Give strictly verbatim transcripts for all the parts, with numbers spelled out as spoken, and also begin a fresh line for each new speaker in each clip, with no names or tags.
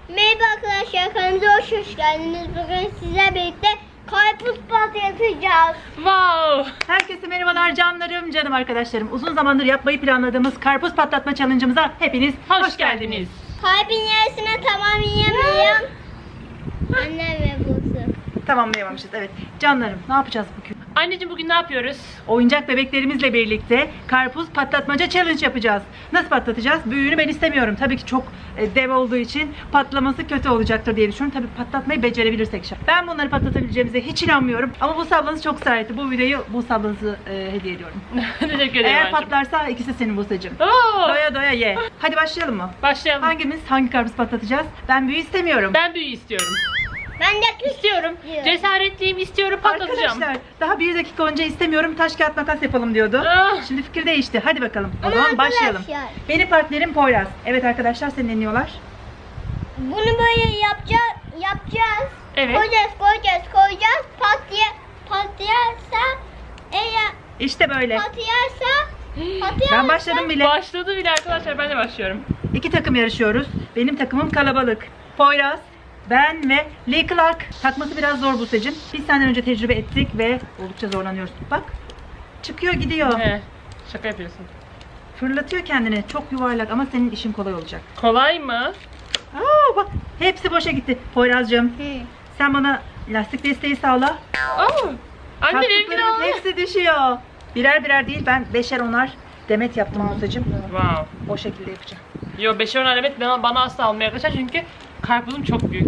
Merhaba arkadaşlar, kanalımıza hoş geldiniz. Bugün sizlerle birlikte karpuz patlatacağız.
Wow!
Herkese merhabalar canlarım, canım arkadaşlarım. Uzun zamandır yapmayı planladığımız karpuz patlatma challenge'ımıza hepiniz
Hoş,
hoş,
geldiniz.
geldiniz.
Kalbin yarısına tamamlayamıyorum. Anne ve Buse.
Tamamlayamamışız, evet. Canlarım, ne yapacağız bugün?
Anneciğim bugün ne yapıyoruz?
Oyuncak bebeklerimizle birlikte karpuz patlatmaca challenge yapacağız. Nasıl patlatacağız? Büyüğünü ben istemiyorum. Tabii ki çok e, dev olduğu için patlaması kötü olacaktır diye düşünüyorum. Tabii patlatmayı becerebilirsek şart. Ben bunları patlatabileceğimize hiç inanmıyorum. Ama Buse ablanız çok ısrar etti. Bu videoyu Buse ablanızı e, hediye ediyorum.
Teşekkür ederim
Eğer
anneciğim.
patlarsa ikisi senin Buse'cim.
Oo!
Doya doya ye. Hadi başlayalım mı?
Başlayalım.
Hangimiz hangi karpuz patlatacağız? Ben büyüğü istemiyorum.
Ben büyü istiyorum.
Ben de küçük
İstiyorum.
diyorum.
Cesaretliyim, istiyorum, patlatacağım.
Arkadaşlar daha bir dakika önce istemiyorum, taş kağıt makas yapalım diyordu.
Ah!
Şimdi fikir değişti. Hadi bakalım. O
Ama
zaman başlayalım.
arkadaşlar-
Benim partnerim Poyraz. Evet arkadaşlar, seni dinliyorlar.
Bunu böyle yapacağız, yapacağız.
Evet.
Koyacağız, koyacağız, koyacağız. Patlaya, patlayarsa, eğer
İşte böyle.
patlayarsa, patlayarsa.
Ben başladım bile.
Başladı bile arkadaşlar, ben de başlıyorum.
İki takım yarışıyoruz. Benim takımım kalabalık. Poyraz, ben ve Lee Clark. Takması biraz zor Buse'cim. Biz senden önce tecrübe ettik ve oldukça zorlanıyoruz. Bak. Çıkıyor gidiyor.
He, şaka yapıyorsun.
Fırlatıyor kendini. Çok yuvarlak ama senin işin kolay olacak.
Kolay mı?
Aa bak, hepsi boşa gitti. Poyraz'cığım,
Hı.
sen bana lastik desteği sağla.
Oo! Anne benimki de
Taktıklarımın
oldu.
hepsi düşüyor. Birer birer değil, ben beşer onar demet yaptım Buse'cim.
Wow.
O şekilde yapacağım.
Yo, beşer on alamet bana, bana asla almaya arkadaşlar çünkü karpuzum çok büyük.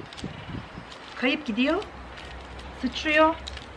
Kayıp gidiyor. Sıçrıyor.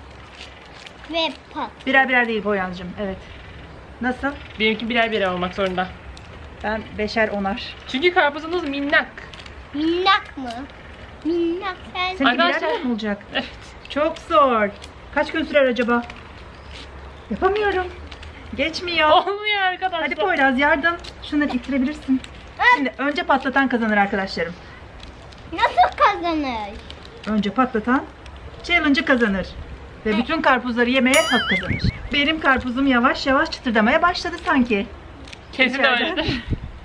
Ve pat.
Birer birer değil Poyraz'cığım. Evet. Nasıl?
Benimki birer birer olmak zorunda.
Ben beşer onar.
Çünkü karpuzumuz minnak.
Minnak mı? Minnak sen.
Senin birer
Arkadaşlar-
birer mi olacak?
Evet.
Çok zor. Kaç gün sürer acaba? Yapamıyorum. Geçmiyor.
Olmuyor arkadaşlar.
Hadi Poyraz yardım. Şunları ittirebilirsin. Şimdi önce patlatan kazanır arkadaşlarım.
Nasıl kazanır?
Önce patlatan challenge'ı kazanır. Ve bütün karpuzları yemeye hak kazanır. Benim karpuzum yavaş yavaş çıtırdamaya başladı sanki.
Kesin
İçeride.
öyledir.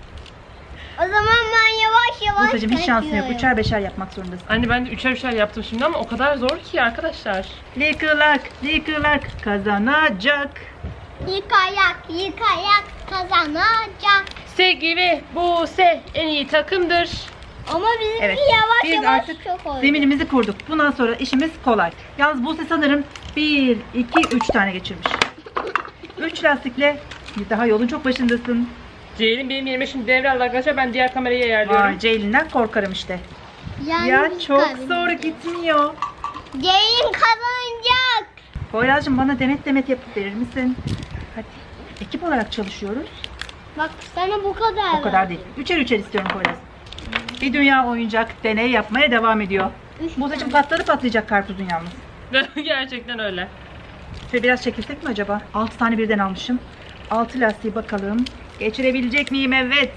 O zaman ben yavaş yavaş
Buse'cim hiç şansın yok.
takıyorum.
Üçer beşer yapmak zorundasın.
Anne ben de üçer üçer yaptım şimdi ama o kadar zor ki arkadaşlar.
Lee Clark, Lee Clark kazanacak.
Yıkayak, yıkayak kazanacak.
Sevgi ve Buse en iyi takımdır.
Ama bizimki
Evet.
yavaş
Biz
yavaş
artık
çok oldu.
zeminimizi kurduk. Bundan sonra işimiz kolay. Yalnız Buse sanırım bir, iki, üç tane geçirmiş. Üç lastikle daha yolun çok başındasın.
Ceylin benim yerime şimdi devraldı arkadaşlar. Ben diğer kamerayı ayarlıyorum.
Vay, Ceylin'den korkarım işte.
Yani
Ya
biz
çok
kaybedeceğiz.
zor gitmiyor.
Ceylin kazanacak.
Poyraz'cığım bana demet demet yapıp verir misin? Hadi. Ekip olarak çalışıyoruz.
Bak sana bu kadar.
O kadar değil. Üçer üçer istiyorum Poyraz. Bir dünya oyuncak deney yapmaya devam ediyor.
Üç
Buse'cığım patladı patlayacak karpuzun yalnız.
Gerçekten öyle.
Şöyle biraz çekilsek mi acaba? altı tane birden almışım. altı lastiği bakalım. Geçirebilecek miyim? Evet.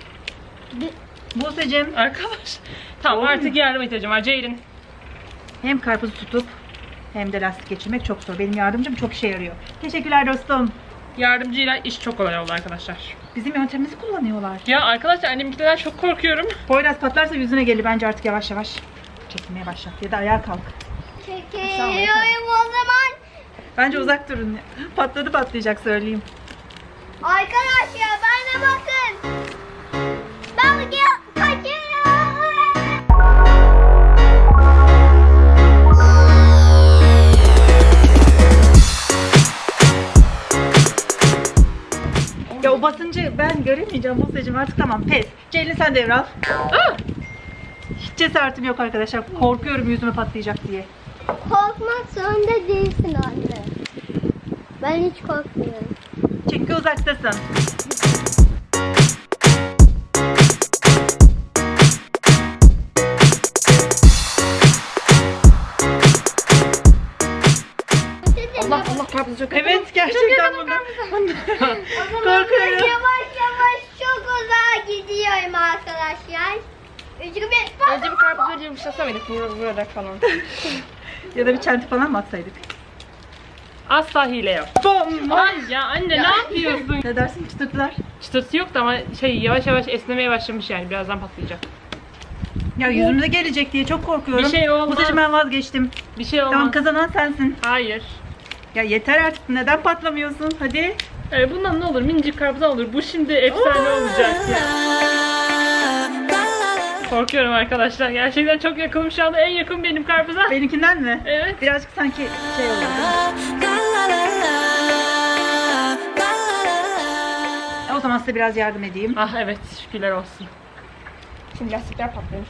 Buse'cığım
Arkadaş. Tamam
Olmuyor.
artık yardıma ihtiyacım var. Ceylin.
hem karpuzu tutup hem de lastik geçirmek çok zor. Benim yardımcım çok işe yarıyor. Teşekkürler dostum.
Yardımcıyla iş çok kolay oldu arkadaşlar.
Bizim yöntemimizi kullanıyorlar.
Ya arkadaşlar annemkilerden çok korkuyorum.
Poyraz patlarsa yüzüne gelir. Bence artık yavaş yavaş çekilmeye başlat. Ya da ayağa kalk.
Çekiyorum o zaman.
Bence uzak durun. Patladı patlayacak söyleyeyim.
Arkadaşlar bana bakın. Ben bugün kaçıyorum.
Ya o basıncı ben göremeyeceğim Buse'cığım artık tamam pes. Ceylin sen devral.
Ah!
Hiç cesaretim yok arkadaşlar. Korkuyorum yüzüme patlayacak diye.
Korkmak zorunda değilsin anne. Ben hiç korkmuyorum.
Çünkü uzaktasın. Allah Allah karpuz çok Evet gerçekten bunu. Korkuyorum.
Yavaş yavaş çok uzağa gidiyorum arkadaşlar. Çünkü ben
Önce bir karpuzu yumuşasa mıydık vurarak falan.
Ya da bir çenti falan mı atsaydık?
Asla hile yok.
Bom!
Ay ya anne ne yapıyorsun?
Ne dersin çıtırtılar?
Çıtırtı yok da ama şey yavaş yavaş esnemeye başlamış yani birazdan patlayacak.
Ya yüzümüze gelecek diye çok korkuyorum.
Bir şey olmaz.
Musacığım ben vazgeçtim.
Bir şey olmaz.
Tamam, kazanan sensin.
Hayır.
Ya yeter artık, neden patlamıyorsun? Hadi.
Ee, bundan ne olur? Minicik karpuzdan olur. Bu şimdi efsane olacak ya. Korkuyorum arkadaşlar. Gerçekten çok yakınım şu anda. En yakın benim karpuza.
Benimkinden mi?
Evet.
Birazcık sanki şey oldu. O zaman size biraz yardım edeyim.
Ah evet, şükürler olsun.
Şimdi lastikler patlıyor.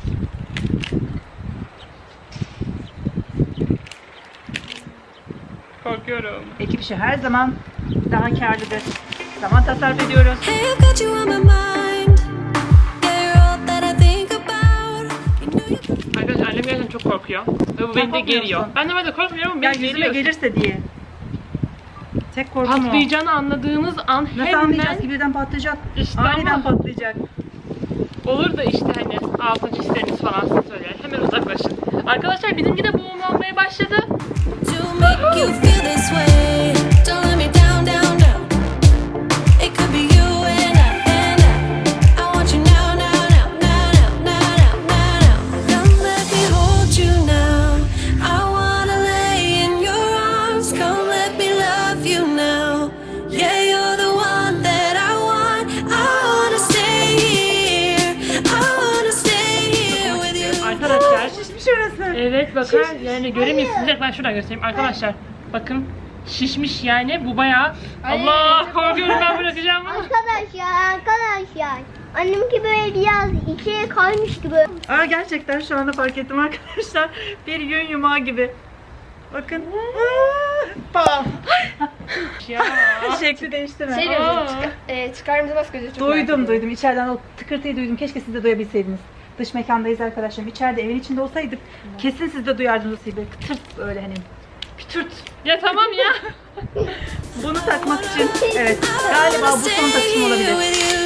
Korkuyorum.
Ekip işi her zaman daha karlıdır. Zaman tasarruf ediyoruz.
Hey, I've got you on my mind. Yeah, you're all that I think about. You know you
Arkadaşlar annem gerçekten çok korkuyor. Ve bu
Sen
beni de
korkmuyor
geriyor.
musun?
Ben de ben de korkmuyorum ama
Ya
beni
yüzüme
geriyor.
gelirse diye. Tek korkum o.
Patlayacağını anladığınız an
Nasıl
hemen
anlayacağız ki birden patlayacak?
İşte
Aniden
ama-
patlayacak.
olur da işte hani altın çizgileriniz falan size söyler. Hemen uzaklaşın. Arkadaşlar bizimki de boğumlanmaya başladı.
to make you feel this way. Don't let me down, down, down. It could be you and I, and I. I want you now, now, now, now, now, now, now, now. Come let me hold you now. I wanna lay in your arms. Come let me love you now. Yeah, you're the one that I want. I wanna stay here. I wanna stay here with you.
Arkadaşlar
Şişmiş orası.
evet bakın yani göremiyorsunuz. Ben şuradan göstereyim. Arkadaşlar bakın şişmiş yani bu bayağı. Allah korkuyorum ben bırakacağım bunu.
Arkadaşlar arkadaşlar. Annemki böyle biraz içeri kaymış gibi.
Aa, gerçekten şu anda fark ettim arkadaşlar. Bir yün yumağı gibi. Bakın. Aa, Pam.
Ya.
Şekli değişti mi?
Şey
Aa.
gözü, çıkar, e, çıkarımıza nasıl gözü çok merak
Duydum
ediyorum.
duydum. İçeriden o tıkırtıyı duydum. Keşke siz de duyabilseydiniz. Dış mekandayız arkadaşlarım. İçeride evin içinde olsaydık kesin siz de duyardınız o böyle kıtırt böyle hani. Pütürt.
Ya tamam ya.
Bunu takmak için evet galiba bu son takışım olabilir.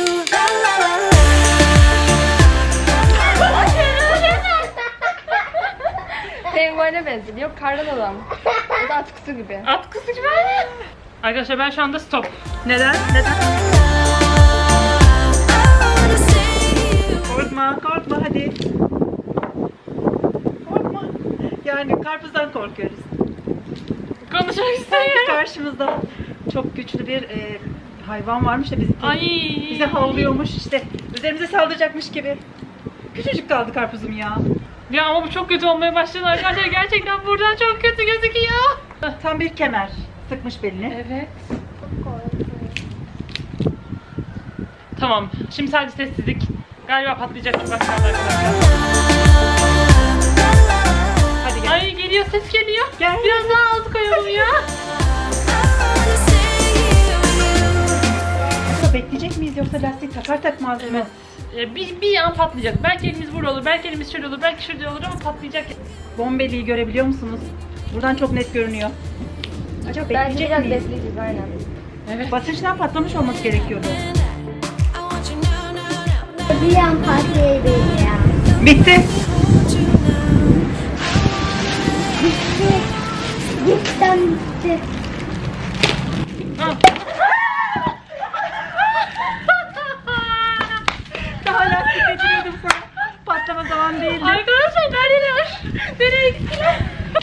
Penguene benziyor. Yok kardan adam. O da atkısı gibi.
Atkısı gibi. Arkadaşlar ben şu anda stop.
Neden? Neden? Korkma, korkma hadi. Korkma. Yani karpuzdan korkuyoruz.
Konuşmak
Sanki
istemiyorum.
karşımızda çok güçlü bir e, hayvan varmış da bizi,
Ay.
bize havlıyormuş işte. Üzerimize saldıracakmış gibi. Küçücük kaldı karpuzum ya.
Ya ama bu çok kötü olmaya başladı arkadaşlar. Gerçekten buradan çok kötü gözüküyor.
Tam bir kemer sıkmış belini.
Evet. Tamam. Şimdi sadece sessizlik. Galiba patlayacak çok az kaldı arkadaşlar.
Hadi gel.
Ay geliyor, ses geliyor.
Gel.
Biraz daha az koyalım ya.
Burada bekleyecek miyiz yoksa lastik takar takmaz mı?
Evet. Ee, Bir, bir an patlayacak. Belki elimiz burada olur, belki elimiz şöyle olur, belki şurada olur ama patlayacak.
Bombeliği görebiliyor musunuz? Buradan çok net görünüyor. Acaba
Bence
bekleyecek
biraz
miyiz?
bekleyeceğiz aynen.
Evet.
Basınçtan patlamış olması gerekiyordu.
Bir an patlayabilir ya.
Bitti.
Gitti. Cidden gitti.
Ah.
Daha lastik getiriyordum sana. Patlama zaman değildi.
Arkadaşlar neredeler? Nereye gittiler?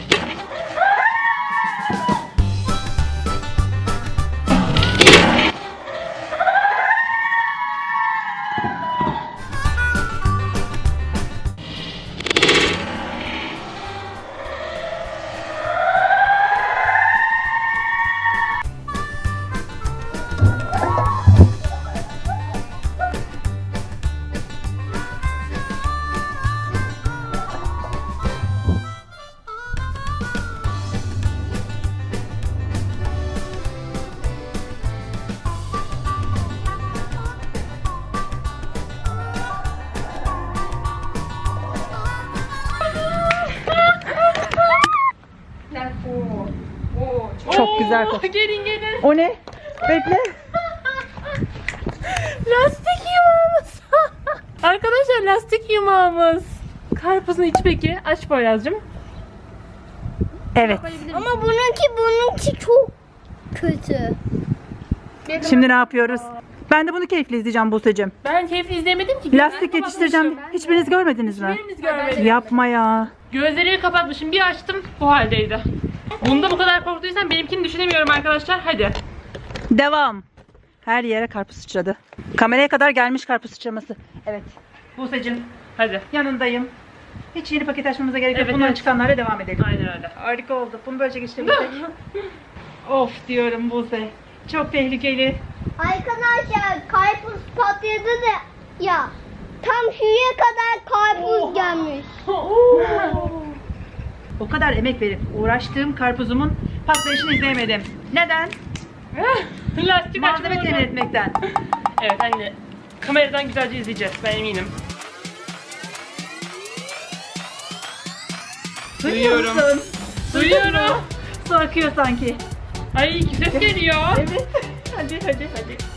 Yani, oo. Oo, çok
Çok güzel
Oo,
koktu.
Gelin gelin.
O ne? Bekle.
Lastik yumağımız. Arkadaşlar lastik yumağımız. Karpuzun içi peki. Aç Poyraz'cığım.
Evet.
Ama bununki bununki çok kötü.
Şimdi ne yapıyoruz? Ben de bunu keyifle izleyeceğim Buse'cim.
Ben keyifli izleyemedim ki.
Lastik yetiştireceğim. Hiçbiriniz görmediniz mi?
Hiçbirimiz görmedik.
Yapma ya.
Gözlerimi kapatmışım. Bir açtım bu haldeydi. Bunda bu kadar korktuysan benimkini düşünemiyorum arkadaşlar. Hadi.
Devam. Her yere karpuz sıçradı. Kameraya kadar gelmiş karpuz sıçraması. Evet. Buse'cim
Hadi.
yanındayım. Hiç yeni paket açmamıza gerek yok.
Evet,
Bundan
evet.
çıkanlarla devam edelim.
Aynen öyle.
Harika oldu. Bunu böylece geçirebilsek. Of diyorum Buse. Çok tehlikeli.
Arkadaşlar karpuz patladı da ya tam şuraya kadar karpuz gelmiş.
O kadar emek verip uğraştığım karpuzumun patlayışını izleyemedim. Neden?
Lastik
Malzeme
açma
temin
orada.
etmekten.
Evet anne. Kameradan güzelce izleyeceğiz. Ben eminim.
Duyuyor
Duyuyorum.
musun?
Duyuyorum.
Su akıyor sanki.
Ay ses geliyor.
Evet. Hadi hadi hadi.